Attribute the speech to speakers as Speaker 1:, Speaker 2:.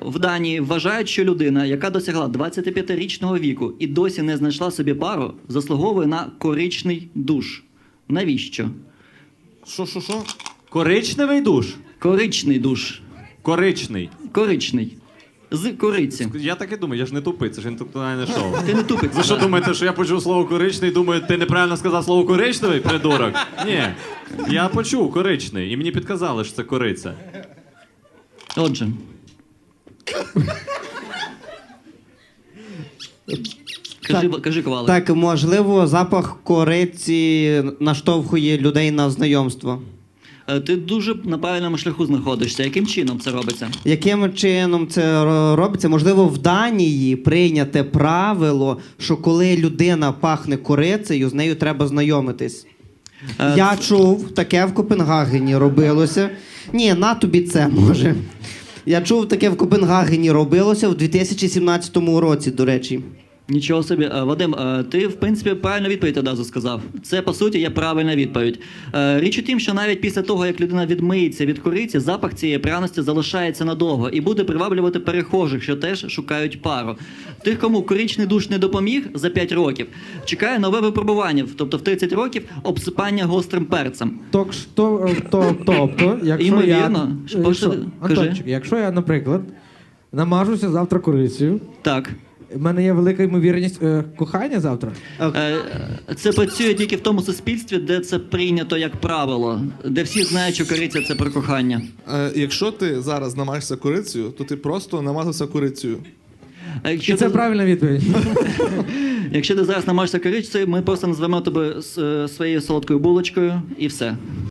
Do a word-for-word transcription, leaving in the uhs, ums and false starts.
Speaker 1: в Данії вважають, що людина, яка досягла двадцятип'ятирічного віку і досі не знайшла собі пару, заслуговує на коричний душ. Навіщо?
Speaker 2: Що, що, що?
Speaker 3: Коричневий душ?
Speaker 1: Коричний душ.
Speaker 3: Коричний.
Speaker 1: Коричний. З кориці.
Speaker 3: Я так і думаю, я ж не тупий, це ж інтелектуальне шоу.
Speaker 1: Ти не тупець.
Speaker 3: Ви що думаєте, що я почув слово коричний і думаю, ти неправильно сказав слово коричневий, придурок? Ні. Я почув коричний, і мені підказали, що це кориця.
Speaker 1: Отже. Кажи, кажи, Ковалик.
Speaker 4: Так, можливо, запах кориці наштовхує людей на знайомство.
Speaker 1: Е, Ти дуже на правильному шляху знаходишся. Яким чином це робиться?
Speaker 4: Яким чином це ро- робиться? Можливо, в Данії прийняте правило, що коли людина пахне корицею, з нею треба знайомитись.
Speaker 1: Е,
Speaker 4: Я чув, таке в Копенгагені робилося. Ні, на тобі це може. Я чув, таке в Копенгагені робилося в дві тисячі сімнадцятому році, до речі.
Speaker 1: Нічого собі. Е, Вадим, е, ти, в принципі, правильну відповідь одразу сказав. Це, по суті, є правильна відповідь. Е, Річ у тім, що навіть після того, як людина відмиється від кориці, запах цієї пряності залишається надовго і буде приваблювати перехожих, що теж шукають пару. Тих, кому коричний душ не допоміг за п'ять років, чекає нове випробування, тобто в тридцять років обсипання гострим перцем.
Speaker 2: Ток, то, то, тобто, якщо
Speaker 1: Ймовірно.
Speaker 2: я...
Speaker 1: Що,
Speaker 2: Якщо,
Speaker 1: кажи.
Speaker 2: Антончик, якщо я, наприклад, намажуся завтра корицею,
Speaker 1: Так.
Speaker 2: в мене є велика ймовірність е, кохання завтра.
Speaker 1: Е, Це працює тільки в тому суспільстві, де це прийнято як правило, де всі знають, що кориця – це про кохання.
Speaker 5: Е, якщо ти зараз намажешся корицею, то ти просто намазався корицею.
Speaker 1: А
Speaker 2: І
Speaker 1: якщо
Speaker 2: це
Speaker 1: ти,
Speaker 2: правильна відповідь.
Speaker 1: якщо ти зараз намажешся корицею, ми просто назвемо тебе с- своєю солодкою булочкою і все.